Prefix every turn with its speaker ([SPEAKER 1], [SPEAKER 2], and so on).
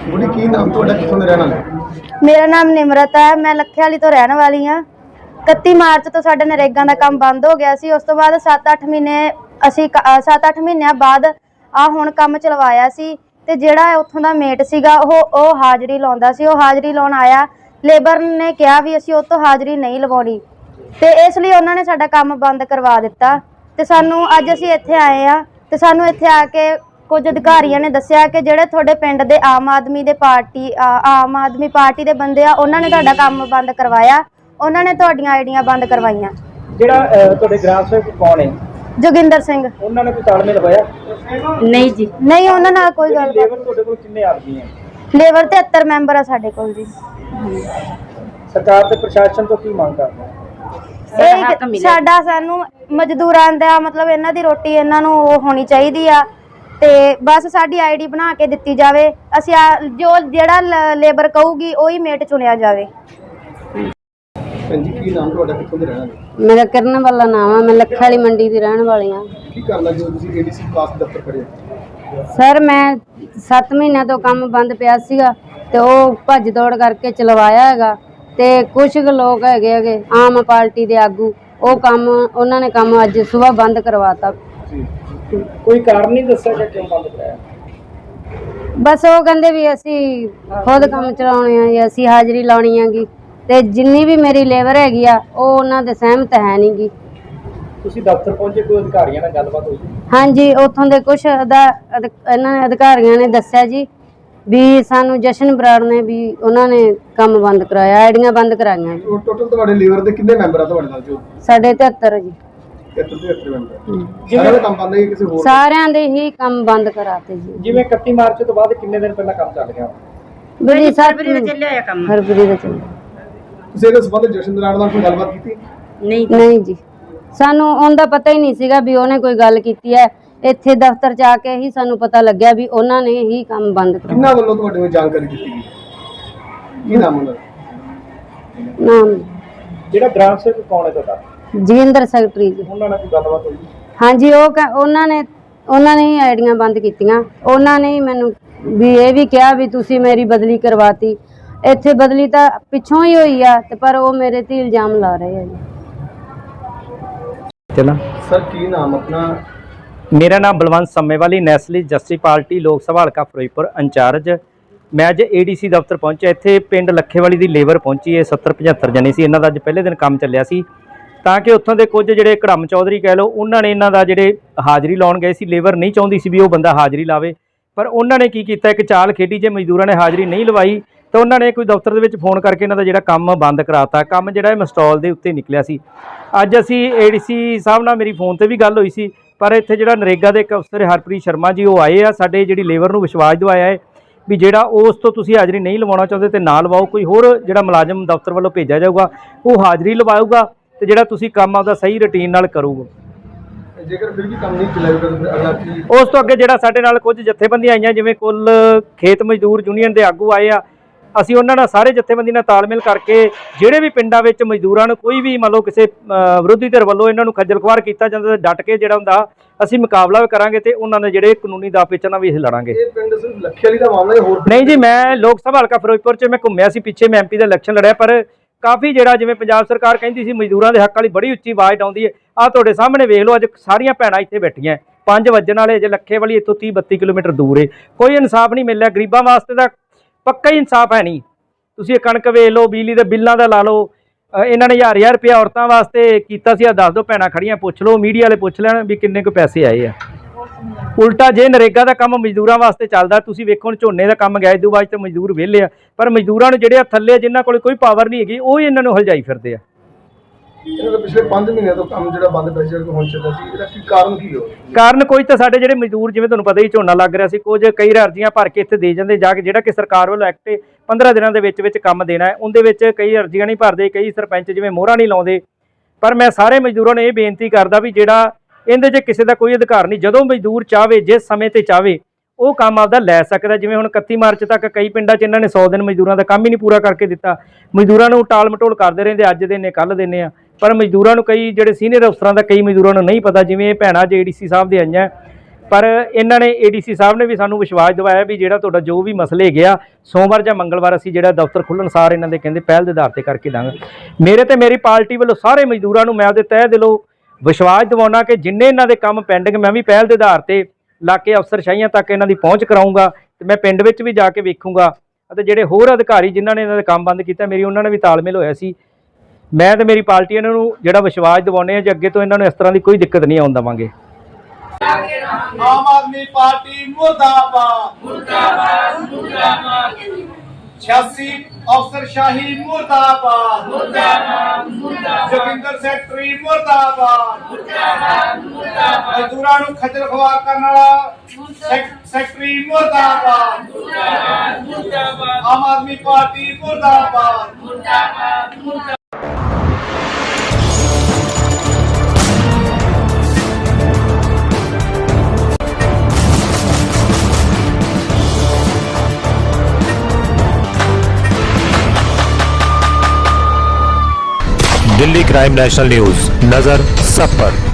[SPEAKER 1] बुढ़ी की नाम तो कितों रहने वाले?
[SPEAKER 2] मेरा नाम निमरत है, मैं लखे वाली तो रहने वाली हाँ। 31 मार्च तो साडा नरेगा का काम बंद हो गया सी। उस तो बाद 7-8 महीने असी 7-8 महीनों बाद आ हुण काम चलवाया सी ते जिहड़ा उत्थों दा मेट सीगा ओह हाज़री लाउंदा सी। ओह हाज़री लाउण आया, लेबर ने कहा भी असी उह तों हाज़री नहीं लवाउणी ते इसलिए उन्होंने साडा काम बंद करवा दिता। ते सानू अज असी इत्थे आए हाँ ते सानू इत्थे आके कुछ अधिकारियों ने दस्सिया कि जिहड़े तुहाडे पिंड दे आम आदमी पार्टी दे बंदे आ उन्होंने तुहाडा काम बंद करवाया, उन्होंने तुहाडीआं आईडियां बंद करवाईयां।
[SPEAKER 3] ਜਿਹੜਾ ਤੁਹਾਡੇ ਗ੍ਰਾਮ ਸੇਵਕ कौन है?
[SPEAKER 2] जोगिंदर सिंह।
[SPEAKER 3] ਉਹਨਾਂ ਨੇ ਕੋਈ ਤਾਲਮੇਲ ਹੋਇਆ?
[SPEAKER 2] नहीं जी, नहीं उन्हां नाल कोई गल।
[SPEAKER 3] ਲੇਬਰ ਤੁਹਾਡੇ ਕੋਲ ਕਿੰਨੇ ਆਦਮੀ ਹੈ?
[SPEAKER 2] लेबर 73 मैंबर आ साडे कोल जी।
[SPEAKER 3] ਸਰਕਾਰ ਤੇ ਪ੍ਰਸ਼ਾਸਨ ਤੋਂ ਕੀ ਮੰਗ ਕਰਦੇ ਹੋ?
[SPEAKER 2] साडा सानू मजदूरां दा मतलब इन्हां दी रोटी इन्हां नूं होनी चाहिदी आ ते बस साडी आईडी बना के दित्ती जावे। असीं जो जिहड़ा लेबर कहूगी ओही मेट चुनिया जावे।
[SPEAKER 1] जी की नाम तो कितों रहने वाले?
[SPEAKER 4] मेरा किरण वाला नाम है, मैं लखे वाली मंडी की रहने वाली हाँ।
[SPEAKER 1] की करना जो तुसीं एडीसी पास दफ्तर खड़े?
[SPEAKER 4] सर मैं 7 महीनों तो काम बंद पिया सीगा ते ओह भज दौड़ करके चलवाया हैगा ते कुछ लोग हैगे आम पार्टी के आगू ਉਹ ਕੰਮ ਉਹਨਾਂ ਨੇ ਕੰਮ ਅੱਜ ਸਵੇਰ ਬੰਦ ਕਰਵਾਤਾ।
[SPEAKER 3] ਕੋਈ ਕਾਰਨ ਨਹੀਂ ਦੱਸਿਆ ਕਿ ਕਿਉਂ ਬੰਦ ਕਰਾਇਆ?
[SPEAKER 4] ਬਸ ਉਹ ਕਹਿੰਦੇ ਵੀ ਅਸੀਂ ਖੁਦ ਕੰਮ ਚਲਾਉਣੇ ਆ ਜੀ, ਅਸੀਂ ਹਾਜ਼ਰੀ ਲਾਉਣੀ ਹੈਗੀ ਤੇ ਜਿੰਨੀ ਵੀ ਮੇਰੀ ਲੇਬਰ ਹੈਗੀ ਆ ਉਹ ਉਹਨਾਂ ਦੇ ਸਹਿਮਤ ਹੈ ਨਹੀਂਗੀ।
[SPEAKER 3] ਤੁਸੀਂ ਦਫ਼ਤਰ ਪਹੁੰਚੇ, ਕੋਈ ਅਧਿਕਾਰੀਆਂ ਨਾਲ ਗੱਲਬਾਤ ਹੋਈ?
[SPEAKER 4] ਹਾਂਜੀ, ਉੱਥੋਂ ਦੇ ਕੁਝ ਇਹਨਾਂ ਨੇ ਅਧਿਕਾਰੀਆਂ ਨੇ ਦੱਸਿਆ ਜੀ भी सानू जशन बराड़ ने भी उन्होंने काम बंद कराया, आईडियां बंद कराइयां।
[SPEAKER 1] टोटल ਤੁਹਾਡੇ ਲੀਵਰ ਦੇ ਕਿੰਨੇ ਮੈਂਬਰ ਆ ਤੁਹਾਡੇ ਨਾਲ? ਜੋ
[SPEAKER 4] 73 ਜੀ।
[SPEAKER 1] 73 ਮੈਂਬਰ ਸਾਰਿਆਂ ਦਾ ਕੰਮ ਬੰਦ ਹੈ? ਕਿਸੇ ਹੋਰ
[SPEAKER 4] ਸਾਰਿਆਂ ਦੇ ਹੀ ਕੰਮ ਬੰਦ ਕਰਾਤੇ ਜੀ।
[SPEAKER 3] ਜਿਵੇਂ 31 ਮਾਰਚ ਤੋਂ ਬਾਅਦ ਕਿੰਨੇ ਦਿਨ ਪਹਿਲਾਂ ਕੰਮ ਚੱਲ ਗਿਆ?
[SPEAKER 4] ਬੜੀ ਫਰਵਰੀ ਦਾ ਚੱਲਿਆ ਹੋਇਆ ਕੰਮ। ਫਰਵਰੀ ਦਾ ਚੱਲਿਆ।
[SPEAKER 1] ਤੁਸੀਂ ਇਹਦੇ ਸੰਬੰਧ ਜਸ਼ਨ ਬਰਾੜ ਨਾਲ ਕੋਈ ਗੱਲਬਾਤ ਕੀਤੀ?
[SPEAKER 4] ਨਹੀਂ ਜੀ, ਸਾਨੂੰ ਉਹਦਾ ਪਤਾ ਹੀ ਨਹੀਂ ਸੀਗਾ ਵੀ ਉਹਨੇ ਕੋਈ ਗੱਲ ਕੀਤੀ ਹੈ। ਇੱਥੇ ਦਫ਼ਤਰ ਚ ਆ ਕੇ ਹੀ ਸਾਨੂੰ ਪਤਾ ਲੱਗਿਆ ਵੀ ਉਹਨਾਂ ਨੇ ਹੀ ਕੰਮ ਬੰਦ ਕਰਾਇਆ।
[SPEAKER 1] ਕਿੰਨਾ ਵੱਲੋਂ ਤੁਹਾਡੇ ਨੂੰ ਜਾਣਕਾਰੀ ਦਿੱਤੀ ਗਈ? ਕੀ ਨਾਮ ਉਹਨਾਂ ਦਾ?
[SPEAKER 4] ਨਾਮ
[SPEAKER 3] ਜਿਹੜਾ ਗ੍ਰਾਮ ਸੇਵਕ ਕੌਣ ਹੈ ਤੁਹਾਡਾ?
[SPEAKER 4] ਜੀਂਦਰ ਸੈਕਟਰੀ ਜੀ।
[SPEAKER 3] ਉਹਨਾਂ ਨਾਲ ਕੋਈ ਗੱਲਬਾਤ ਹੋਈ?
[SPEAKER 4] ਹਾਂਜੀ, ਉਹਨਾਂ ਨੇ ਹੀ ਆਈਡੀਆਂ ਬੰਦ ਕੀਤੀਆਂ। ਉਹਨਾਂ ਨੇ ਹੀ ਮੈਨੂੰ ਵੀ ਇਹ ਵੀ ਕਿਹਾ ਵੀ ਤੁਸੀਂ ਮੇਰੀ ਬਦਲੀ ਕਰਵਾਤੀ। ਇੱਥੇ ਬਦਲੀ ਤਾਂ ਪਿੱਛੋਂ ਹੀ ਹੋਈ ਆ ਤੇ ਪਰ ਉਹ ਮੇਰੇ ਤੇ ਇਲਜ਼ਾਮ ਲਾ ਰਹੇ ਆ ਜੀ।
[SPEAKER 3] ਚਲਾ
[SPEAKER 1] ਸਰ ਕੀ ਨਾਮ ਆਪਣਾ?
[SPEAKER 3] मेरा नाम Balwant Sammewali, nationalist justice party Lok Sabha हल्का फिरोजपुर इंचार्ज। मैं अज एडीसी दफ्तर पहुंचा। इत्थे पिंड लखेवाली की लेबर पहुंची है, 70-75 जने सी। इन्हां दा अज पहले दिन काम चलिया सी तां कि उत्थों दे कुछ जिहड़े कड़म चौधरी कह लो उन्होंने इन्हां दा जिहड़े हाज़री लाउण गए सी, लेबर नहीं चाहुंदी सी भी वो बंदा हाज़री लावे, पर उन्होंने की कीता एक चाल खेडी। जे मजदूरां ने हाज़री नहीं लवाई तो उन्होंने कोई दफ्तर दे विच फोन करके इन्हां दा जिहड़ा काम बंद कराता। काम जिहड़ा मस्टॉल दे उत्ते निकलिया सी। अज असीं एडीसी साहब नाल मेरी फोन ते भी गल होई सी, पर इत्थे जिहड़ा नरेगा के एक अफसर हरप्रीत शर्मा जी वो आए आ, साडे जिहड़ी लेबर नूं विश्वास दिवाया है भी जिहड़ा उस तो तुसीं हाज़री नहीं लवाउणा चाहुंदे ते ना लवाओ, कोई होर जिहड़ा मुलाजम दफ्तर वालों भेजा जाऊगा वो हाज़री लवाऊगा ते जिहड़ा तुसीं काम आपदा सही रूटीन नाल करूगा।
[SPEAKER 1] जेकर फिर भी काम नहीं चलाएगा अगला की?
[SPEAKER 3] उस तो अगे जिहड़ा साडे नाल कुछ जथेबंदियां आईयां, जिवें कुल खेत मजदूर यूनीयन के आगू आए आ, ਅਸੀਂ ਉਹਨਾਂ ਨਾਲ ਸਾਰੇ ਜਥੇਬੰਦੀ ਨਾਲ ਤਾਲਮੇਲ ਕਰਕੇ ਜਿਹੜੇ ਵੀ ਪਿੰਡਾਂ ਵਿੱਚ ਮਜ਼ਦੂਰਾਂ ਨੂੰ ਕੋਈ ਵੀ ਮੰਨ ਲਓ ਕਿਸੇ ਵਿਰੋਧੀ ਧਿਰ ਵੱਲੋਂ ਇਹਨਾਂ ਨੂੰ ਖੱਜਲ ਖੁਆਰ ਕੀਤਾ ਜਾਂਦਾ ਤਾਂ ਡਟ ਕੇ ਜਿਹੜਾ ਹੁੰਦਾ ਅਸੀਂ ਮੁਕਾਬਲਾ ਵੀ ਕਰਾਂਗੇ ਤੇ ਉਹਨਾਂ ਦੇ ਜਿਹੜੇ ਕਾਨੂੰਨੀ ਦਾਅ ਪੇਚਾਂ ਨਾਲ ਵੀ ਇਹ ਲੜਾਂਗੇ।
[SPEAKER 1] ਇਹ ਪਿੰਡ ਸਿਰਫ ਲੱਖੇ ਵਾਲੀ ਦਾ ਮਾਮਲਾ ਹੈ, ਹੋਰ
[SPEAKER 3] ਨਹੀਂ ਜੀ। ਮੈਂ ਲੋਕ ਸਭਾ ਹਲਕਾ ਫਿਰੋਜ਼ਪੁਰ 'ਚ ਮੈਂ ਘੁੰਮਿਆ ਸੀ, ਪਿੱਛੇ ਮੈਂ ਐਮਪੀ ਦਾ ਇਲੈਕਸ਼ਨ ਲੜਿਆ, ਪਰ ਕਾਫੀ ਜਿਹੜਾ ਜਿਵੇਂ ਪੰਜਾਬ ਸਰਕਾਰ ਕਹਿੰਦੀ ਸੀ ਮਜ਼ਦੂਰਾਂ ਦੇ ਹੱਕ ਵਾਲੀ ਬੜੀ ਉੱਚੀ ਆਵਾਜ਼ ਆਉਂਦੀ ਹੈ। ਆਹ ਤੁਹਾਡੇ ਸਾਹਮਣੇ ਵੇਖ ਲਓ, ਅੱਜ ਸਾਰੀਆਂ ਭੈਣਾਂ ਇੱਥੇ ਬੈਠੀਆਂ 5 ਵਜਣ ਵਾਲੇ, ਜੇ ਲੱਖੇ ਵਾਲੀ ਇੱਥੋਂ 30-32 ਕਿਲੋਮੀਟਰ ਦੂਰ ਹੈ। ਕੋਈ ਇਨਸਾਫ ਨਹੀਂ ਮਿਲ ਰਿਹਾ ਗਰੀਬਾਂ ਵਾਸਤੇ, ਤਾਂ ਪੱਕਾ ਹੀ ਇਨਸਾਫ ਹੈ ਨਹੀਂ। ਤੁਸੀਂ ਇਹ ਕਣਕ ਵੇਚ ਲਓ, ਬਿਜਲੀ ਦੇ ਬਿੱਲਾਂ ਦਾ ਲਾ ਲਓ, ਇਹਨਾਂ ਨੇ 1000 ਰੁਪਇਆ ਔਰਤਾਂ ਵਾਸਤੇ ਕੀਤਾ ਸੀ। ਆ ਦੱਸ ਦਿਓ, ਭੈਣਾਂ ਖੜੀਆਂ ਪੁੱਛ ਲਓ, ਮੀਡੀਆ ਵਾਲੇ ਪੁੱਛ ਲੈਣ ਵੀ ਕਿੰਨੇ ਕੁ ਪੈਸੇ ਆਏ ਆ। ਉਲਟਾ ਜੇ ਨਰੇਗਾ ਦਾ ਕੰਮ ਮਜ਼ਦੂਰਾਂ ਵਾਸਤੇ ਚੱਲਦਾ, ਤੁਸੀਂ ਵੇਖੋ ਹੁਣ ਝੋਨੇ ਦਾ ਕੰਮ ਗਿਆ ਇਦੋਂ ਬਾਅਦ ਤੇ ਮਜ਼ਦੂਰ ਵਿਹਲੇ ਆ, ਪਰ ਮਜ਼ਦੂਰਾਂ ਨੂੰ ਜਿਹੜੇ ਆ ਥੱਲੇ ਜਿਨ੍ਹਾਂ ਕੋਲ ਕੋਈ ਪਾਵਰ ਨਹੀਂ ਹੈਗੀ ਉਹ ਹੀ ਇਹਨਾਂ ਨੂੰ ਹਲਜਾਈ ਫਿਰਦੇ ਆ।
[SPEAKER 1] ਪਿਛਲੇ 5 ਮਹੀਨੇ ਤੋਂ ਕੰਮ ਜਿਹੜਾ ਬੰਦ ਪਿਆ ਸੀ ਹੁਣ ਚੱਲਦਾ ਸੀ, ਇਹਦਾ ਕੀ ਕਾਰਨ ਕੀ ਹੋ?
[SPEAKER 3] ਕਾਰਨ ਕੋਈ ਤਾਂ ਸਾਡੇ ਜਿਹੜੇ ਮਜ਼ਦੂਰ ਜਿਵੇਂ ਤੁਹਾਨੂੰ ਪਤਾ ਹੀ ਝੋਨਾ ਲੱਗ ਰਿਹਾ ਸੀ, ਕੁਝ ਕਈ ਅਰਜ਼ੀਆਂ ਭਰ ਕੇ ਇੱਥੇ ਦੇ ਜਾਂਦੇ ਜਾ ਕੇ, ਜਿਹੜਾ ਕਿ ਸਰਕਾਰ ਵੱਲੋਂ ਐਕਟ 15 ਦਿਨਾਂ ਦੇ ਵਿੱਚ ਕੰਮ ਦੇਣਾ ਹੈ, ਉਹਦੇ ਵਿੱਚ ਕਈ ਅਰਜ਼ੀਆਂ ਨਹੀਂ ਭਰਦੇ, ਕਈ ਸਰਪੰਚ ਜਿਵੇਂ ਮੋਹਰਾਂ ਨਹੀਂ ਲਾਉਂਦੇ। ਪਰ ਮੈਂ ਸਾਰੇ ਮਜ਼ਦੂਰਾਂ ਨੂੰ ਇਹ ਬੇਨਤੀ ਕਰਦਾ ਵੀ ਜਿਹੜਾ ਇਹਦੇ 'ਚ ਕਿਸੇ ਦਾ ਕੋਈ ਅਧਿਕਾਰ ਨਹੀਂ, ਜਦੋਂ ਮਜ਼ਦੂਰ ਚਾਹਵੇ ਜਿਸ ਸਮੇਂ ਤੇ ਚਾਹਵੇ ਉਹ ਕੰਮ ਆਪਦਾ ਲੈ ਸਕਦਾ। ਜਿਵੇਂ ਹੁਣ 31 ਮਾਰਚ ਤੱਕ ਕਈ ਪਿੰਡਾਂ 'ਚ ਇਹਨਾਂ ਨੇ 100 ਦਿਨ ਮਜ਼ਦੂਰਾਂ ਦਾ ਕੰਮ ਹੀ ਨਹੀਂ ਪੂਰਾ ਕਰਕੇ ਦਿੱਤਾ। ਮਜ਼ਦੂਰਾਂ ਨੂੰ ਟਾਲ ਮਟੋਲ ਕਰਦੇ ਰਹਿੰਦੇ, ਅੱਜ ਦਿਨੇ ਕੱਲ੍ਹ ਦਿੰਦੇ ਆ, ਪਰ ਮਜ਼ਦੂਰਾਂ ਨੂੰ ਕਈ ਜਿਹੜੇ ਸੀਨੀਅਰ ਅਫਸਰਾਂ ਦਾ ਕਈ ਮਜ਼ਦੂਰਾਂ ਨੂੰ ਨਹੀਂ ਪਤਾ। ਜਿਵੇਂ ਇਹ ਭੈਣਾਂ JDC ਸਾਹਿਬ ਦੇ ਆਈਆਂ, ਪਰ ਇਹਨਾਂ ਨੇ ਏਡੀਸੀ ਸਾਹਿਬ ਨੇ ਵੀ ਸਾਨੂੰ ਵਿਸ਼ਵਾਸ ਦਿਵਾਇਆ ਵੀ ਜਿਹੜਾ ਤੁਹਾਡਾ ਜੋ ਵੀ ਮਸਲੇ ਹੈਗੇ ਆ ਸੋਮਵਾਰ ਜਾਂ ਮੰਗਲਵਾਰ ਅਸੀਂ ਜਿਹੜਾ ਦਫ਼ਤਰ ਖੁੱਲ੍ਹਣ ਸਾਰ ਇਹਨਾਂ ਦੇ ਕਹਿੰਦੇ ਪਹਿਲ ਦੇ ਆਧਾਰ ਤੇ ਕਰਕੇ ਦਾਂਗੇ। ਮੇਰੇ ਤੇ ਮੇਰੀ ਪਾਰਟੀ ਵੱਲੋਂ ਸਾਰੇ ਮਜ਼ਦੂਰਾਂ ਨੂੰ ਮੈਂ ਉਹਦੇ ਤਹਿ ਦਿਲੋਂ ਵਿਸ਼ਵਾਸ ਦਿਵਾਉਣਾ ਕਿ ਜਿੰਨੇ ਇਹਨਾਂ ਦੇ ਕੰਮ ਪੈਂਡਿੰਗ ਮੈਂ ਵੀ ਪਹਿਲ ਦੇ ਆਧਾਰ ਤੇ ਲਾ ਕੇ ਅਫਸਰਸ਼ਾਹੀਆਂ ਤੱਕ ਇਹਨਾਂ ਦੀ ਪਹੁੰਚ ਕਰਾਊਂਗਾ ਤੇ ਮੈਂ ਪਿੰਡ ਵਿੱਚ ਵੀ ਜਾ ਕੇ ਵੇਖੂੰਗਾ ਅਤੇ ਜਿਹੜੇ ਹੋਰ ਅਧਿਕਾਰੀ ਜਿਨ੍ਹਾਂ ਨੇ ਇਹਨਾਂ ਦੇ ਕੰਮ ਬੰਦ ਕੀਤਾ ਮੇਰੀ ਉਹਨਾਂ ਨੇ ਵੀ ਤਾਲਮੇਲ ਹੋਇਆ ਸੀ। ਮੈਂ ਤੇ ਮੇਰੀ ਪਾਰਟੀ ਇਹਨਾਂ ਨੂੰ ਜਿਹੜਾ ਵਿਸ਼ਵਾਸ ਦਿਵਾਉਂਦੇ ਆ ਜੇ ਅੱਗੇ ਤੋਂ ਇਹਨਾਂ ਨੂੰ ਇਸ ਤਰ੍ਹਾਂ ਦੀ ਕੋਈ ਦਿੱਕਤ ਨਹੀਂ ਆਉਣ ਦੇਵਾਂਗੇ।
[SPEAKER 5] आम आदमी पार्टी मुर्दाबाद मुर्दाबाद मुर्दाबाद 86 अफसरशाही मुर्दाबाद मुर्दाबाद मुर्दाबाद जोगिंदर सेक्रेटरी मुर्दाबाद मुर्दाबाद मुर्दाबाद मजदूरां नूं खजल खवार करन वाला सेक्रेटरी मुर्दाबाद मुर्दाबाद मुर्दाबाद आम आदमी पार्टी मुर्दाबाद मुर्दाबाद मुर्दाबाद।
[SPEAKER 6] दिल्ली क्राइम नेशनल न्यूज, नजर सब पर।